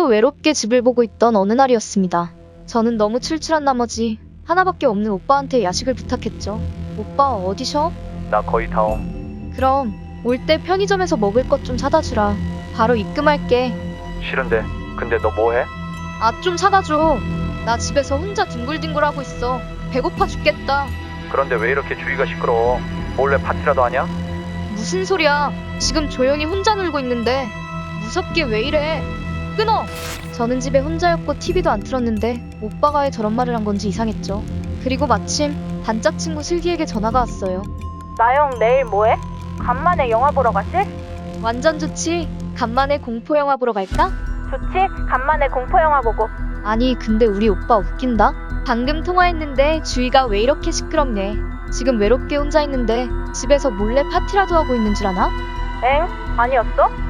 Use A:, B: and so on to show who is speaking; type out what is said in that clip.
A: 홀로 외롭게 집을 보고 있던 어느 날이었습니다. 저는 너무 출출한 나머지 하나밖에 없는 오빠한테 야식을 부탁했죠. 오빠 어디 쉬어?
B: 나 거의 다 옴.
A: 그럼 올 때 편의점에서 먹을 것 좀 사다 주라. 바로 입금할게.
B: 싫은데. 근데 너 뭐해?
A: 아, 좀 사다 줘. 나 집에서 혼자 뒹굴뒹굴하고 있어. 배고파 죽겠다.
B: 그런데 왜 이렇게 주위가 시끄러워? 몰래 파티라도 하냐?
A: 무슨 소리야. 지금 조용히 혼자 놀고 있는데. 무섭게 왜 이래. 끊어. 저는 집에 혼자였고 TV도 안 틀었는데 오빠가 왜 저런 말을 한 건지 이상했죠. 그리고 마침 단짝 친구 슬기에게 전화가 왔어요.
C: 나영 내일 뭐해? 간만에 영화 보러 가실?
A: 완전 좋지. 간만에 공포 영화 보러 갈까?
C: 좋지? 간만에 공포 영화 보고.
A: 아니 근데 우리 오빠 웃긴다. 방금 통화했는데 주위가 왜 이렇게 시끄럽네. 지금 외롭게 혼자 있는데 집에서 몰래 파티라도 하고 있는 줄 아나?
C: 엥? 아니었어?